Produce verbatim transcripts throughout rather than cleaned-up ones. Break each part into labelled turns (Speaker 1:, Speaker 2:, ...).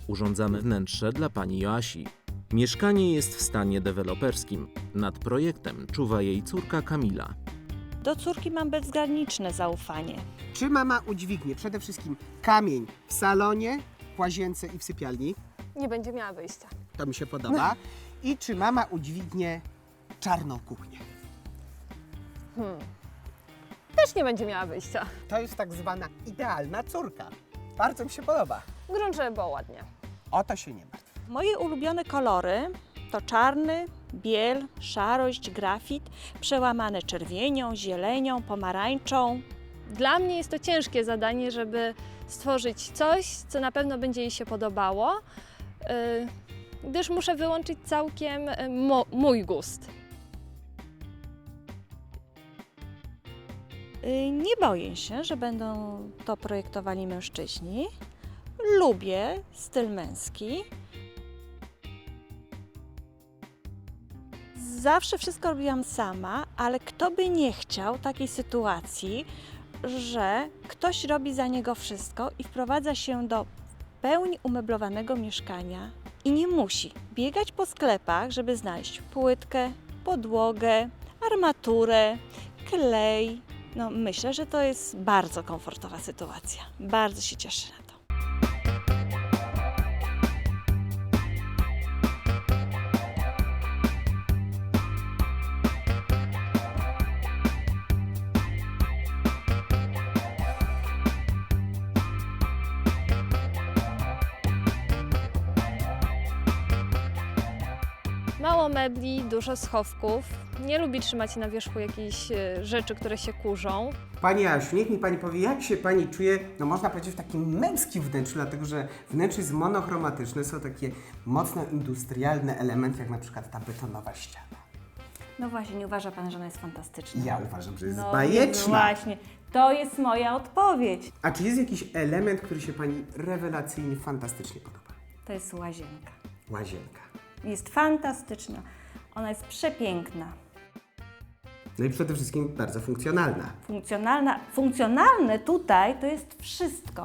Speaker 1: urządzamy wnętrze dla pani Joasi. Mieszkanie jest w stanie deweloperskim. Nad projektem czuwa jej córka Kamila.
Speaker 2: Do córki mam bezgraniczne zaufanie.
Speaker 3: Czy mama udźwignie przede wszystkim kamień w salonie, w łazience i w sypialni?
Speaker 4: Nie będzie miała wyjścia.
Speaker 3: To mi się podoba. I czy mama udźwignie czarną kuchnię?
Speaker 4: Hmm. Też nie będzie miała wyjścia.
Speaker 3: To jest tak zwana idealna córka. Bardzo mi się podoba.
Speaker 4: Grunt, żeby było ładnie.
Speaker 3: O to się nie martw.
Speaker 2: Moje ulubione kolory to czarny, biel, szarość, grafit, przełamane czerwienią, zielenią, pomarańczą.
Speaker 4: Dla mnie jest to ciężkie zadanie, żeby stworzyć coś, co na pewno będzie jej się podobało, yy, gdyż muszę wyłączyć całkiem yy, mo- mój gust.
Speaker 2: Y, Nie boję się, że będą to projektowali mężczyźni. Lubię styl męski. Zawsze wszystko robiłam sama, ale kto by nie chciał takiej sytuacji, że ktoś robi za niego wszystko i wprowadza się do w pełni umeblowanego mieszkania i nie musi biegać po sklepach, żeby znaleźć płytkę, podłogę, armaturę, klej. No, myślę, że to jest bardzo komfortowa sytuacja. Bardzo się cieszę na to.
Speaker 4: Mało mebli, dużo schowków. Nie lubi trzymać na wierzchu jakichś yy, rzeczy, które się kurzą.
Speaker 3: Pani Asiu, niech mi Pani powie, jak się Pani czuje, no można powiedzieć, w takim męskim wnętrzu, dlatego że wnętrze jest monochromatyczne, są takie mocno industrialne elementy, jak na przykład ta betonowa ściana.
Speaker 2: No właśnie, nie uważa Pan, że ona jest fantastyczna?
Speaker 3: Ja uważam, że jest
Speaker 2: No
Speaker 3: bajeczna.
Speaker 2: właśnie, to jest moja odpowiedź.
Speaker 3: A czy jest jakiś element, który się Pani rewelacyjnie, fantastycznie podoba?
Speaker 2: To jest łazienka.
Speaker 3: Łazienka.
Speaker 2: Jest fantastyczna. Ona jest przepiękna.
Speaker 3: No i przede wszystkim bardzo funkcjonalna.
Speaker 2: Funkcjonalna. Funkcjonalne tutaj to jest wszystko.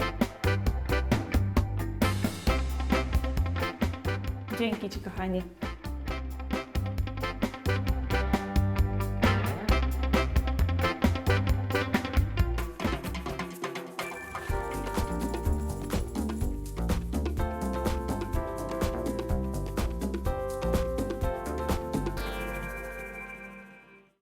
Speaker 2: Dzięki Ci, kochanie.